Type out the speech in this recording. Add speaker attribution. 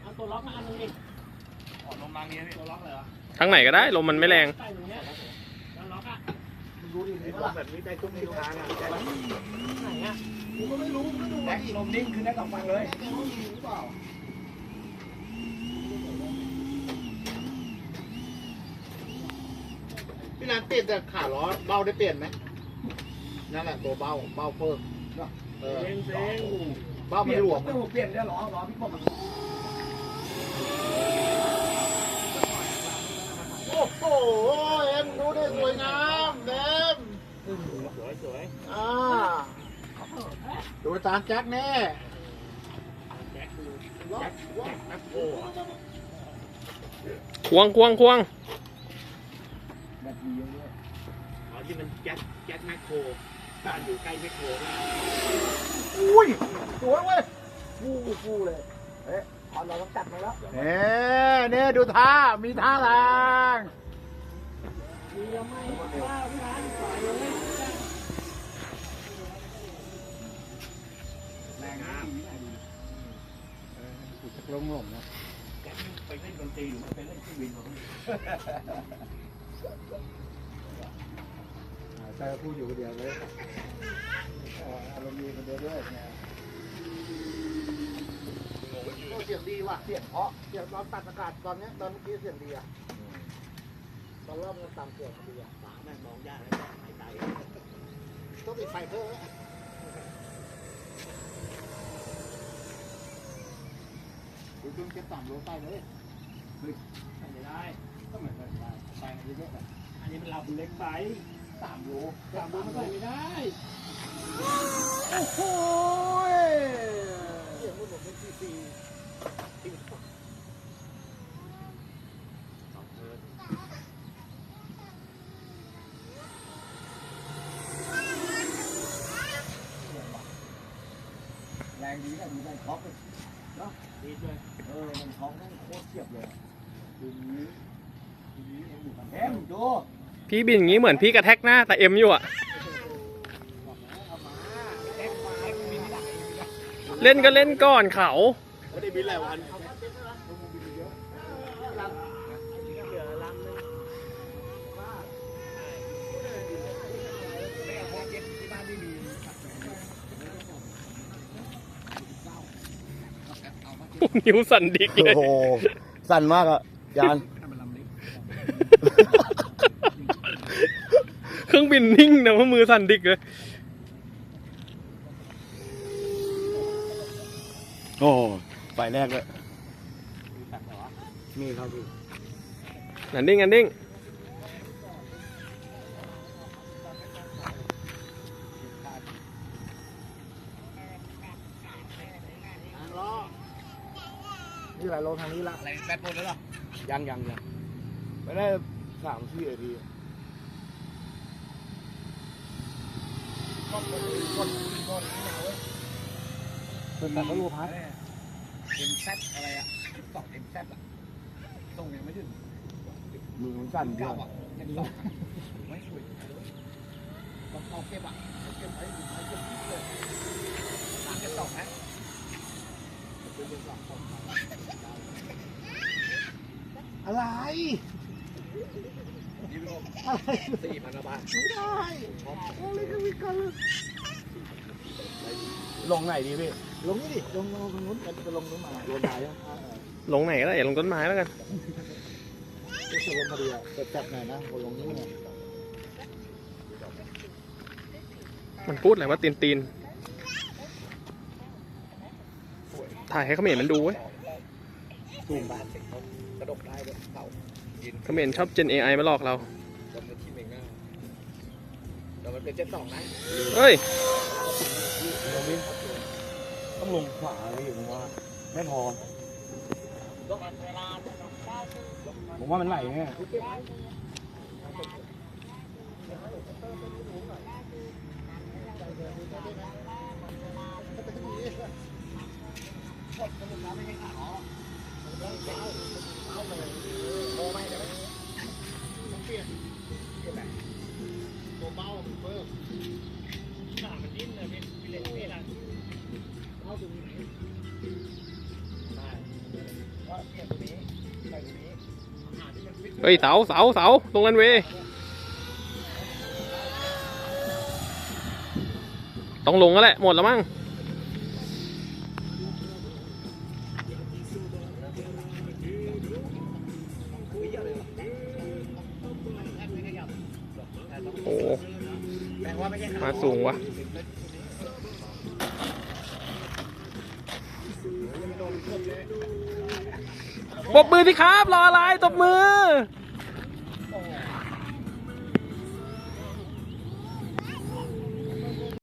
Speaker 1: ตัวล็อกมาอันนึงดิ
Speaker 2: ลมรังนี้พี่ตัวล็อกเลยเหรอ
Speaker 3: ทางไหนก็ได้ลมมันไม่แรง
Speaker 1: ใส่ตรงเนี้ยแล้วล็อกอ่ะ
Speaker 2: ดูดิลมแบบนี้ได้ตุ้มในทางอ่ะ
Speaker 1: ไหนอ่ะ
Speaker 2: กูก็ไม่รู้ไม่ดูแม็กลมนิ่งคือได้สองฟังเลยพี่นันเปลี่ยนแต่ขาล้อเบ้าได้เปลี่ยนไหมนั่นแหละตัวเบ้าเพิ่ม
Speaker 1: เซ็ง
Speaker 2: เบ้ามันหลวมเปลี่ยนได้ล้อพี่ผมโอ้โหเอ็มดูได้สวยงามเอ็มสวยดูตามแจ็คแน่แจ็คแม็กโค
Speaker 3: ควง
Speaker 2: แบบนี้เยอะอ๋อที่มันแจ็คแม็กโคบ้านอยู่ใกล้แม็กโคอุ้ยสวยเว้ยฟูเลยเอ๊ะขอเราต้องจัดมาแล้วเนี่ยดูท่ามีท่าแรง
Speaker 1: มียังไม่ว่าพี่ร้านปล่อยเลย
Speaker 2: แรงนะจะลงหล่มนะแกไปเล่นดนตรีหรือไปเล่นเครื่องบินเขาใช่พูดอยู่คนเดียวเลยอารมณ์ดีคนเดียวด้วยเสียงดีว่ะเสียงเพราะเสียงตอนตัดอากาศตอนนี้ตอนเมื่อกี้เสียงดีอ่ะตอนเริ่มมันตามเสียงดีอ่ะฝาแม่งมองยากแล้วหายใจต้องติดไฟเพิ่มดูจนเก็บ3 โลใต้เลยไม่ได้ก็เหมือนกันไปเยอะๆแบบ
Speaker 1: อันนี้มันเราเล็กไป
Speaker 2: 3 โล
Speaker 1: 3 โลมันใส่ไม่ได้
Speaker 2: โอ้โหเสียงมันเป็นซีแรงดีนะดูมันท็อปเลยเนาะดีด้วยมันท็อปนั่นโคตรเทียบเลยดูนี้เอ็มดู
Speaker 3: พี่บินอย่างนี้เหมือนพี่กระแทกหน้าแต่เอ็มอยู่อะเล่นก็เล่นก่อนเขา
Speaker 2: ไม่ได้บินหลายวัน
Speaker 3: นิ้วสั่นดิกเลย
Speaker 2: โอ้โหสั่นมากอ่ะยาน
Speaker 3: เครื่องบินนิ่งนะว่ามือสั่นดิกเลย
Speaker 2: โอ้ไฟแรกเลยมีครับพี่
Speaker 3: อันดิ้ง
Speaker 2: นี่หลายโลทางนี้ละอะไรแบตหมดแล้วหรอยังไม่ได้3-4 นาทีเป็นแบบรูพัดเอ็มแซดอะไรอ่ะ2 เอ็มแซดอ่ะส่งยังไม่ถึงมือมันสั่นเยอะไม่ช่วยต้องเอาเก็บอ่ะเก็บไว้เก็บเลยเก็บ2นะอะไร4,000 บาทไม่ได้อะไรก็มีกันลงไหนดีพี่ลงนี่ดิลงตรงนู้นจะลงนู้นมาลงไหนอ่ะ
Speaker 3: ลงไหนก็ได้อย่าลงต้นไม้แล้วกัน
Speaker 2: จะลงพอดีอ่ะจะจับไหนนะลงนี้ไง
Speaker 3: มันพูดอะไรว่าตีนถ่ายให้เขมรมันดูเว้ย
Speaker 2: ตูมบาทกระดกได้เลยเต่า
Speaker 3: เขมรชอบเจน AI มาหลอกเรา
Speaker 2: จนที่เมง่าแต่มันเป็น72นะ
Speaker 3: เฮ้ย
Speaker 2: ต้องลงขวาเลยผมว่าไม่พอผมว่ามันไหลไงตัวเบาเพิ่มมันดิ้นเลยพี่เล่นนี่แหละเข้าตรงนี้ได้เนี่ยตัวนี้ใส่ตัวนี้หาที่มันฟิต
Speaker 3: เฮ้ยเสาลงรันเวย์ต้องลงแล้วแหละหมดแล้วมั้งโอ้
Speaker 2: แปลว่าไม่ใช่
Speaker 3: มาสูงวะปรบมือสิครับรออะไรตบมือ